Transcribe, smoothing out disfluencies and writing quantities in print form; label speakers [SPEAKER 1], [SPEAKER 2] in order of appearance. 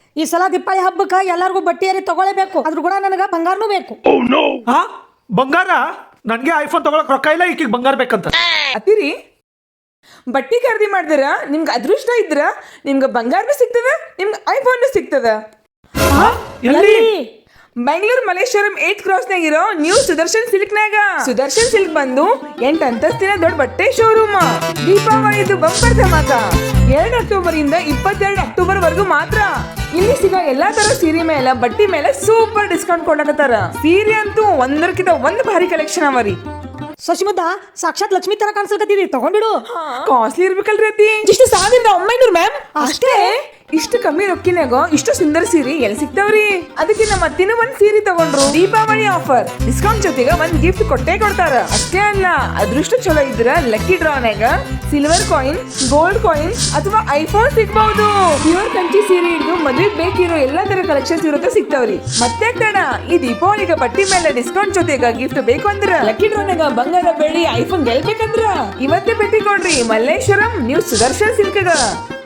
[SPEAKER 1] ಈ ಸಲ ದೀಪಾವಳಿ ಹಬ್ಬಕ್ಕೆ ಎಲ್ಲಾರ್ಗೂ ಬಟ್ಟೆ ಏರಿ ತಗೊಳ್ಳೇಬೇಕು. ಅದ್ರ ಕೂಡ ನನಗೆ ಬಂಗಾರನೂ ಬೇಕು.
[SPEAKER 2] ಹಾ ಬಂಗಾರ? ನನ್ಗೆ ಐಫೋನ್ ತಗೊಳಕ್ ರೊಕ್ಕ ಇಲ್ಲ, ಈಕಿಗೆ ಬಂಗಾರ ಬೇಕಂತ.
[SPEAKER 3] ಅತ್ತಿರಿ ಬಟ್ಟೆ ಖರೀದಿ ಮಾಡಿದ್ರ ನಿಮ್ಗೆ ಅದೃಷ್ಟ ಇದ್ರ ನಿಮ್ಗೆ ಬಂಗಾರನೂ ಸಿಗ್ತದ, ನಿಮ್ಗೆ ಐಫೋನ್ ಸಿಗ್ತದ.
[SPEAKER 2] ಎಲ್ಲಿ?
[SPEAKER 3] ಬೆಂಗಳೂರು ಮಲ್ಲೇಶ್ವರಂ 8th ಕ್ರಾಸ್ನಾಗ ಇರೋ ನ್ಯೂ ಸುದರ್ಶನ್ ಸಿಲ್ಕ್ನಾಗ. ಸುದರ್ಶನ್ ಸಿಲ್ಕ್ ಬಂದು 8 ಅಂತಸ್ತಿನ ದೊಡ್ಡ ಬಟ್ಟೆ ಶೋರೂಮ್. ದೀಪಾವಳಿದು ಬಂಪರ್ ಧಮಾಕ 2 ಅಕ್ಟೋಬರ್ ಇಂದ 22 ಅಕ್ಟೋಬರ್ ವರೆಗೂ ಮಾತ್ರ. ಇಲ್ಲಿ ಸಿಗೋ ಎಲ್ಲಾ ತರ ಸೀರೆ ಮೇಲೆ ಬಟ್ಟೆ ಮೇಲೆ ಸೂಪರ್ ಡಿಸ್ಕೌಂಟ್ ಕೊಡಕತ್ತಾರ. ಸೀರೆ ಅಂತೂ ಒಂದಕ್ಕಿಂತ ಒಂದು ಭಾರಿ ಕಲೆಕ್ಷನ್ ಅವರಿ.
[SPEAKER 1] ಶಶಿಮುದ್ದ ಸಾಕ್ಷಾತ್ ಲಕ್ಷ್ಮಿ ತರ ಕಾಣಿಸ್ಲಕತ್ತಿದಿ, ತಗೊಂಡ್ಬಿಡು.
[SPEAKER 3] ಕಾಸ್ಟ್ಲಿ ಇರ್ಬೇಕಲ್ರಿ ಅತಿ. ಇಷ್ಟು 1900 ಮ್ಯಾಮ್ ಅಷ್ಟೇ. ಇಷ್ಟು ಕಮ್ಮಿ ರೊಕ್ಕಿನಾಗ ಇಷ್ಟು ಸುಂದರ ಸೀರೆ ಎಲ್ಲಿ ಸಿಗ್ತಾವ್ರಿ? ಅದಕ್ಕೆ ನಮ್ಮ ಅತ್ತಿನ ಒಂದ್ ಸೀರೆ ತಗೊಂಡ್ರು. ದೀಪಾವಳಿ ಆಫರ್ ಡಿಸ್ಕೌಂಟ್ ಜೊತೆಗೆ ಒಂದ್ ಗಿಫ್ಟ್ ಕೊಟ್ಟೇ ಕೊಡ್ತಾರ. ಅಷ್ಟೇ ಅಲ್ಲ, ಅದೃಷ್ಟ ಚಲೋ ಇದ್ರ ಲಕ್ಕಿ ಡ್ರಾನಾಗ ಸಿಲ್ವರ್ ಕಾಯಿನ್, ಗೋಲ್ಡ್ ಕಾಯಿನ್ ಅಥವಾ ಐಫೋನ್ ಸಿಗ್ಬಹುದು. ಪ್ಯೂರ್ ಕಂಚಿ ಸೀರೆ ಹಿಡಿದು ಮದುವೆಗೆ ಬೇಕಿರೋ ಎಲ್ಲಾ ತರ ಕಲೆಕ್ಷನ್ಸ್ ಇರುತ್ತೆ ಸಿಗ್ತಾವ್ರಿ. ಮತ್ತೆ ತಡ ಈ ದೀಪಾವಳಿಗೆ ಬಟ್ಟೆ ಮೇಲೆ ಡಿಸ್ಕೌಂಟ್ ಜೊತೆಗ ಗಿಫ್ಟ್ ಬೇಕು ಅಂದ್ರ ಲಕ್ಕಿ ಡ್ರಾನಾಗ ಬಂಗಾರ ಬೆಳ್ಳಿ ಐಫೋನ್ ಗೆಲ್ಬೇಕಂದ್ರ ಇವತ್ತೇ ಭೇಟಿ ಕೊಡ್ರಿ ಮಲ್ಲೇಶ್ವರಂ ನ್ಯೂ ಸುದರ್ಶನ್ ಸಿಲ್ಕ್ಗ.